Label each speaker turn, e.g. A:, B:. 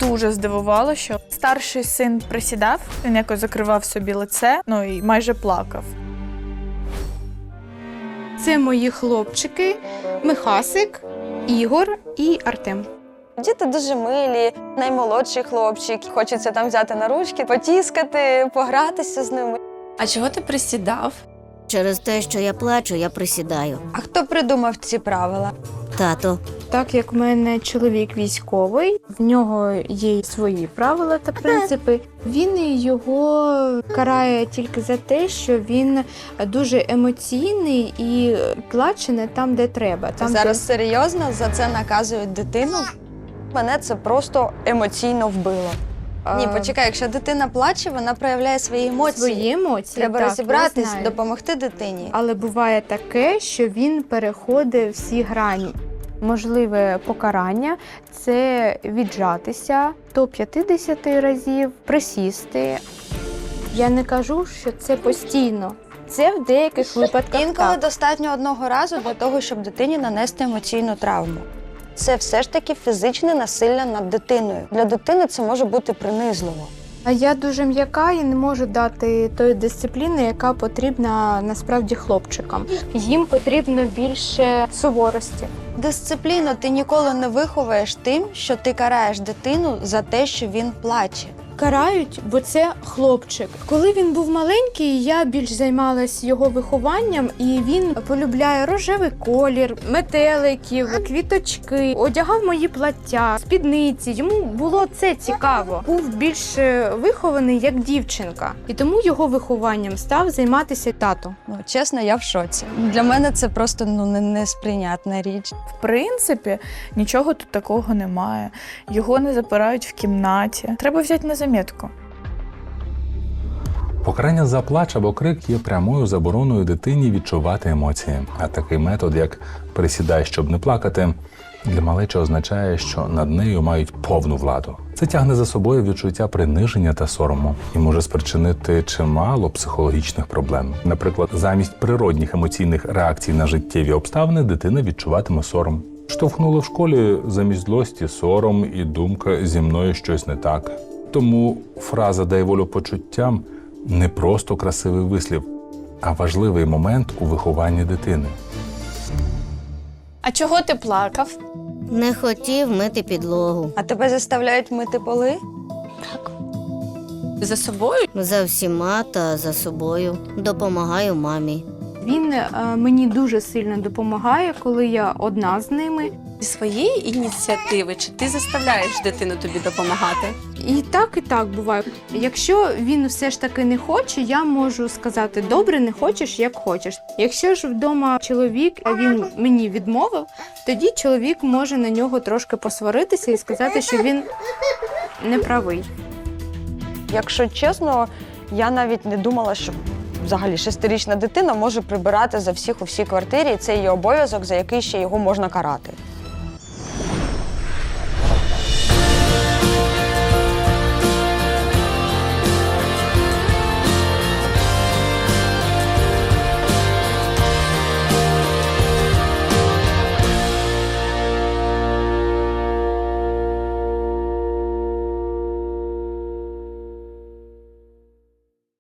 A: дуже здивувало, що старший син присідав, він якось закривав собі лице, ну і майже плакав.
B: Це мої хлопчики Михасик, Ігор і Артем.
C: Діти дуже милі, наймолодший хлопчик. Хочеться там взяти на ручки, потіскати, погратися з ними.
D: А чого ти присідав?
E: Через те, що я плачу, я присідаю.
C: А хто придумав ці правила?
E: Тато.
B: Так як в мене чоловік військовий, в нього є свої правила та принципи. Він його карає тільки за те, що він дуже емоційний і плаче не там, де треба. Там,
C: Зараз серйозно за це наказують дитину? Мене це просто емоційно вбило. Ні, почекай, якщо дитина плаче, вона проявляє свої емоції.
B: Свої емоції.
C: Треба
B: так,
C: розібратись,
B: я знаю.
C: допомогти дитині.
B: Але буває таке, що він переходить всі грані. Можливе покарання – це віджатися до 50 разів, присісти. Я не кажу, що це постійно. Це в деяких випадках
C: Інколи
B: так.
C: достатньо одного разу для того, щоб дитині нанести емоційну травму. Це все ж таки фізичне насилля над дитиною. Для дитини це може бути принизливо.
B: А я дуже м'яка і не можу дати тої дисципліни, яка потрібна насправді хлопчикам. Їм потрібно більше суворості.
C: Дисципліну ти ніколи не виховуєш тим, що ти караєш дитину за те, що він плаче.
B: Карають, бо це хлопчик. Коли він був маленький, я більш займалась його вихованням, і він полюбляє рожевий колір, метеликів, квіточки, одягав мої плаття, спідниці. Йому було це цікаво. Був більш вихований як дівчинка, і тому його вихованням став займатися тато.
C: Чесно, я в шоці. Для мене це просто несприйнятна річ.
A: В принципі, нічого тут такого немає. Його не запирають в кімнаті. Треба взяти на замітку.
F: Покарання за плач або крик є прямою забороною дитині відчувати емоції. А такий метод, як «присідай, щоб не плакати», для малечі означає, що над нею мають повну владу. Це тягне за собою відчуття приниження та сорому і може спричинити чимало психологічних проблем. Наприклад, замість природних емоційних реакцій на життєві обставини дитина відчуватиме сором. Штовхнули в школі замість злості сором і думка «зі мною щось не так». Тому фраза «дай волю почуттям» не просто красивий вислів, а важливий момент у вихованні дитини.
D: А чого ти плакав?
E: Не хотів мити підлогу.
C: А тебе заставляють мити поли?
D: За собою?
E: За всіма та за собою. Допомагаю мамі.
B: Він мені дуже сильно допомагає, коли я одна з ними.
D: Зі своєї ініціативи, чи ти заставляєш дитину тобі допомагати?
B: І так буває. Якщо він все ж таки не хоче, я можу сказати: добре, не хочеш, як хочеш. Якщо ж вдома чоловік, а він мені відмовив, тоді чоловік може на нього трошки посваритися і сказати, що він не правий.
C: Якщо чесно, я навіть не думала, що взагалі 6-річна дитина може прибирати за всіх у всій квартирі, і це її обов'язок, за який ще його можна карати.